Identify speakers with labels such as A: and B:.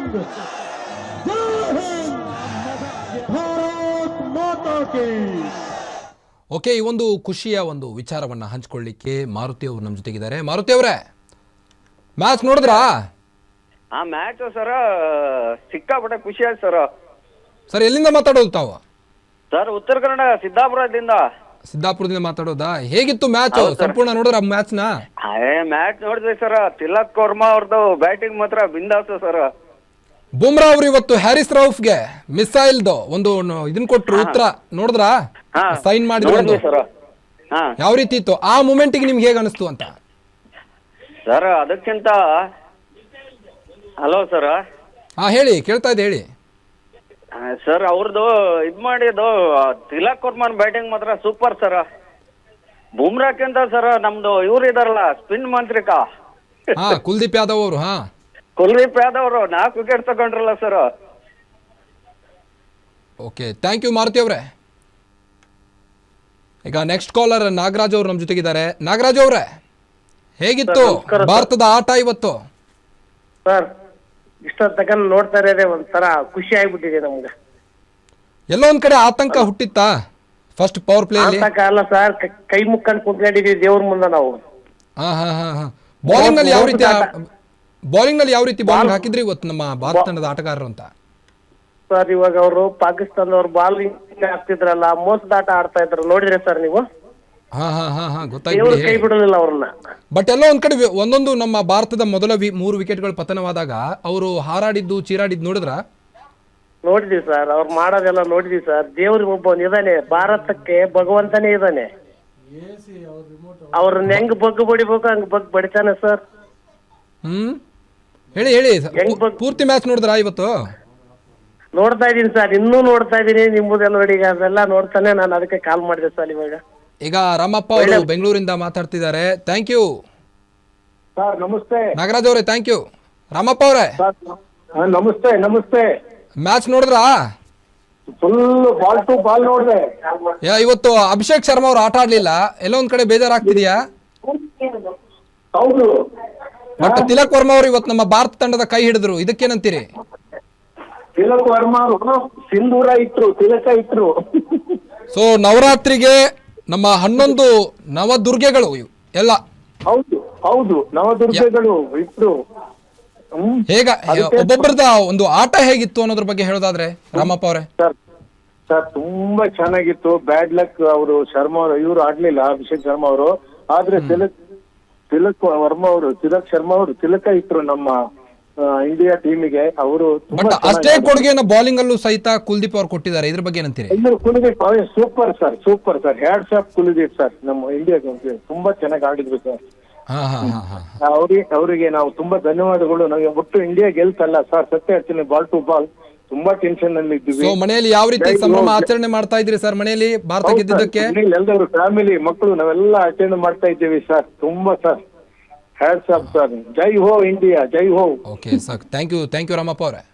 A: हिंद, जय हिंद, भारत माता की।
B: ಓಕೆ, ಈ ಒಂದು ಖುಷಿಯ ಒಂದು ವಿಚಾರವನ್ನು ಹಂಚಿಕೊಳ್ಳಿಕ್ಕೆ ಮಾರುತಿ ಅವರು ನಮ್ಮ ಜೊತೆಗಿದ್ದಾರೆ. ಮಾರುತಿ ಅವರೇ, ಮ್ಯಾಚ್ ನೋಡಿದ್ರಾ?
C: ಆ ಮ್ಯಾಚ್ ಸರ್ ಸಿಕ್ಕಾಪಟ್ಟೆ ಖುಷಿ ಆಯ್ತು ಸರ್.
B: ಸರ್, ಎಲ್ಲಿಂದ ಮಾತಾಡೋದು ತಾವು?
C: ಸರ್, ಉತ್ತರ ಕನ್ನಡ ಸಿದ್ದಾಪುರದಿಂದ.
B: ಸಿದ್ದಾಪುರದಿಂದ ಮಾತಾಡೋದಾ? ಹೇಗಿತ್ತು ಮ್ಯಾಚ್?
C: ಹೌದು ಸರ್.
B: ಸಂಪೂರ್ಣ ನೋಡಿದ್ರ ಮ್ಯಾಚ್ನ?
C: ಮ್ಯಾಚ್ ನೋಡಿದ್ವಿ ಸರ್. ತಿಲಕ್ ವರ್ಮಾ ಅವ್ರದ್ದು ಬ್ಯಾಟಿಂಗ್ ಮಾತ್ರ ಬಿಂದಾಸು ಸರ್.
B: ಬುಮ್ರಾ ಅವರು ಇವತ್ತು ಹ್ಯಾರಿಸ್ ರೌಫ್ಗೆ ಮಿಸೈಲ್ದು ಒಂದು ಇದನ್ನ ಕೊಟ್ರು, ಉತ್ತರ ನೋಡಿದ್ರಾ? ಸೈನ್ ಮಾಡಿದ್ರು
C: ಸರ್. ಹಾ
B: ಯಾವ ರೀತಿ ಇತ್ತು ಆ ಮೂಮೆಂಟ್ಗೆ ನಿಮ್ಗೆ ಹೇಗೆ ಅನಿಸ್ತು ಅಂತ?
C: ಸರ್, ಅದಕ್ಕಿಂತ ಹಲೋ ಸರ್.
B: ಹಾ ಹೇಳಿ, ಕೇಳ್ತಾ ಇದೆ ಹೇಳಿ.
C: ಸರ್, ಅವ್ರದ್ದು ಇದ್ ಮಾಡಿದ್ದು ತಿಲಕ್ ವರ್ಮನ್ ಬ್ಯಾಟಿಂಗ್ ಮಾತ್ರ ಸೂಪರ್ ಸರ್. ಬುಮ್ರಾಕ್ಕಿಂತ ಸರ್ ನಮ್ದು ಇವ್ರು ಇದಾರಲ್ಲ ಸ್ಪಿನ್ ಮಾಂತ್ರಿಕ
B: ಹಾ, ಕುಲ್ದೀಪ್ ಯಾದವ್ ಅವರು. ಹಾ,
C: ಕುಲ್ದೀಪ್ ಯಾದವ್ ಅವರು 4 ವಿಕೆಟ್ ತಗೊಂಡ್ರಲ್ಲ sir.
B: Okay, thank you Maruti ಅವರೇ. ಈಗ ನೆಕ್ಸ್ಟ್ ಕಾಲರ್ ನಾಗರಾಜ್ ಅವರು ನಮ್ಮ ಜೊತೆಗಿದ್ದಾರೆ. ನಾಗರಾಜ್ ಅವರೇ, ಹೇಗಿತ್ತು ಭಾರತದ ಆಟ ಇವತ್ತು?
D: ಸರ್, ಇಷ್ಟೊತ್ತಕ ನೋಡ್ತಾ ಇರೋದೇ ಒಂಥರ ಖುಷಿ ಆಗ್ಬಿಟ್ಟಿದೆ ನಮ್ಗೆ.
B: ಎಲ್ಲೋ ಒಂದ್ ಕಡೆ ಆತಂಕ ಹುಟ್ಟಿತ್ತಾ ಫಸ್ಟ್ ಪವರ್ ಪ್ಲೇ ಅಲ್ಲಿ?
D: ಆತಂಕ ಅಲ್ಲ ಸರ್, ಕೈ ಮುಕ್ಕೊಂಡು ಕುಂತ್ಕೊಂಡಿದೀವಿ ದೇವ್ರ ಮುಂದೆ ನಾವು.
B: ಹಾ ಹಾ ಹಾ ಹಾ ಬೌಲಿಂಗ್ ನಲ್ಲಿ ಯಾವ ರೀತಿ ಬೌಲಿಂಗ್ ಹಾಕಿದ್ರಿ ಇವತ್ತು ನಮ್ಮ ಭಾರತ ತಂಡದ ಆಟಗಾರರು ಅಂತ?
D: ಸರ್, ಇವಾಗ ಅವರು ಪಾಕಿಸ್ತಾನದವ್ರು ಬಾಲ್ ಹಾಕ್ತಿದ್ರಲ್ಲ, ಮೋಸದ ಆಟ ಆಡ್ತಾ ಇದ್ರು, ನೋಡಿದ್ರೆ ಸರ್ ನೀವು?
B: ಹಾ ಹಾ ಹಾ ಹಾ
D: ದೇವ್ರು
B: ಗೊತ್ತಾಯ್ತು.
D: ಕೈ ಬಿಡಲಿಲ್ಲ ಅವ್ರನ್ನ.
B: ಬಟ್ ಎಲ್ಲೋ ಒಂದ್ ಕಡೆ ಒಂದೊಂದು ನಮ್ಮ ಭಾರತದ ಮೊದಲ 3 ವಿಕೆಟ್ಗಳು ಪತನವಾದಾಗ ಅವರು ಹಾರಾಡಿದ್ದು ಚೀರಾಡಿದ್ದು ನೋಡಿದ್ರ?
D: ನೋಡಿದ್ವಿ ಸರ್, ಅವ್ರು ಮಾಡೋದೆಲ್ಲ ನೋಡಿದ್ವಿ ಸರ್. ದೇವ್ರಿಗೆ ಒಬ್ಬ ಇದಾನೆ, ಭಾರತಕ್ಕೆ ಭಗವಂತನೇ ಇದಾನೆ. ಅವ್ರನ್ನ ಹೆಂಗ್ ಬಗ್ಗು ಬಡಿಬೇಕು ಹಂಗ್ ಬಗ್ ಬಡಿತಾನೆ ಸರ್.
B: ಹೇಳಿ ಹೇಳಿ, ಪೂರ್ತಿ ಮ್ಯಾಚ್ ನೋಡಿದ್ರಾ ಇವತ್ತು?
D: ನೋಡ್ತಾ ಇದೀನಿ ಸರ್, ಇನ್ನೂ ನೋಡ್ತಾ ಇದೀನಿ. ನಿಮ್ಮದೆಲ್ಲ ನೋಡಿ, ಅದೆಲ್ಲ ನೋಡ್ತಾನೆ ನಾನು ಅದಕ್ಕೆ ಕಾಲ್ ಮಾಡಿದೆ ಸರ್ ಇವಾಗ.
B: ಈಗ ರಾಮಪ್ಪ ಅವರು ಬೆಂಗಳೂರಿಂದ ಮಾತಾಡ್ತಿದ್ದಾರೆ. Thank you
E: sir. ನಮಸ್ತೆ
B: ನಾಗರಾಜ್ ಅವರೇ, ಥ್ಯಾಂಕ್ ಯು. ರಾಮಪ್ಪ ಅವರೇ,
E: ನಮಸ್ತೆ. ನಮಸ್ತೆ.
B: ಮ್ಯಾಚ್ ನೋಡಿದ್ರಾ?
E: ಫುಲ್ ಬಾಲ್ ಟು ಬಾಲ್ ನೋಡಿದೆ.
B: ಇವತ್ತು ಅಭಿಷೇಕ್ ಶರ್ಮಾ ಅವರು ಆಟ ಆಡ್ಲಿಲ್ಲ, ಎಲ್ಲೋ ಒಂದ್ ಕಡೆ ಬೇಜಾರಾಗ್ತಿದ್ಯಾ?
E: ಹೌದು.
B: ಬಟ್ ತಿಲಕ್ ವರ್ಮಾ ಅವರು ಇವತ್ತು ನಮ್ಮ ಭಾರತ ತಂಡದ ಕೈ ಹಿಡಿದ್ರು, ಇದಕ್ಕೇನಂತೀರಿ?
E: ತಿಲಕ್ ವರ್ಮಾ ಅವರು ಸಿಂಧೂರ ಇಟ್ರು, ತಿಲಕ ಇಟ್ರು.
B: ಸೊ ನವರಾತ್ರಿಗೆ ನಮ್ಮ 11 ನವದುರ್ಗೆಗಳು ಎಲ್ಲ
E: ಹೌದು ಹೌದು, ನವದುರ್ಗಗಳು ಇಟ್ರು.
B: ಹೇಗ ಒಬ್ಬೊಬ್ಬರದ ಒಂದು ಆಟ ಹೇಗಿತ್ತು ಅನ್ನೋದ್ರ ಬಗ್ಗೆ ಹೇಳೋದಾದ್ರೆ ರಾಮಪ್ಪ ಅವರೇ?
E: ಸರ್ ಸರ್, ತುಂಬಾ ಚೆನ್ನಾಗಿತ್ತು. ಬ್ಯಾಡ್ ಲಕ್, ಅವರು ಶರ್ಮಾ ಅವರು ಇವ್ರು ಆಡ್ಲಿಲ್ಲ, ಅಭಿಷೇಕ್ ಶರ್ಮಾ ಅವರು. ಆದ್ರೆ ತಿಲಕ್ ವರ್ಮಾ ಅವರು, ತಿಲಕ್ ಶರ್ಮಾ ಅವರು ತಿಲಕ ಇಟ್ರು ನಮ್ಮ ಇಂಡಿಯಾ ಟೀಮಿಗೆ. ಅವರು
B: ಬಟ್ ಅಷ್ಟೇ ಕೊಡುಗೆಯನ್ನು ಬೌಲಿಂಗ್ ಅಲ್ಲೂ ಸಹಿತ ಕುಲ್ದೀಪ್ ಅವರು ಕೊಟ್ಟಿದ್ದಾರೆ, ಇದ್ರ ಬಗ್ಗೆ ಏನಂತೀರಿ?
E: Kuldeep super sir, super sir. Hats off Kuldeep sir. ನಮ್ಮ ಇಂಡಿಯಾಗೆ ತುಂಬಾ ಚೆನ್ನಾಗಿ ಆಡಿದ್ರು ಸರ್. ಅವರಿಗೆ ನಾವು ತುಂಬಾ ಧನ್ಯವಾದಗಳು. ನಮಗೆ ಒಟ್ಟು ಇಂಡಿಯಾ ಗೆಲ್ತಲ್ಲ ಸರ್, ಸತ್ಯ ಹೇಳ್ತೀನಿ, ಬಾಲ್ ಟು ಬಾಲ್ ತುಂಬಾ ಟೆನ್ಷನ್ ಅಲ್ಲಿ ಇದ್ದೀವಿ.
B: ಸೊ ಮನೆಯಲ್ಲಿ ಯಾವ ರೀತಿ ಸಂಭ್ರಮ ಆಚರಣೆ ಮಾಡ್ತಾ ಇದ್ರಿ ಸರ್ ಮನೆಯಲ್ಲಿ ಭಾರತ ಗೆದ್ದಿದ್ದಕ್ಕೆ?
E: ಎಲ್ಲರೂ ಫ್ಯಾಮಿಲಿ ಮಕ್ಕಳು ನಾವೆಲ್ಲ ಅಟೆಂಡ್ ಮಾಡ್ತಾ ಇದ್ದೀವಿ ಸರ್. ತುಂಬಾ ಸರ್, ಹ್ಯಾಟ್ಸ್ ಆಫ್ ಸರ್. ಜೈ ಹೋ ಇಂಡಿಯಾ, ಜೈ ಹೋ.
B: Okay sir, thank you Ramappa ಅವರೇ.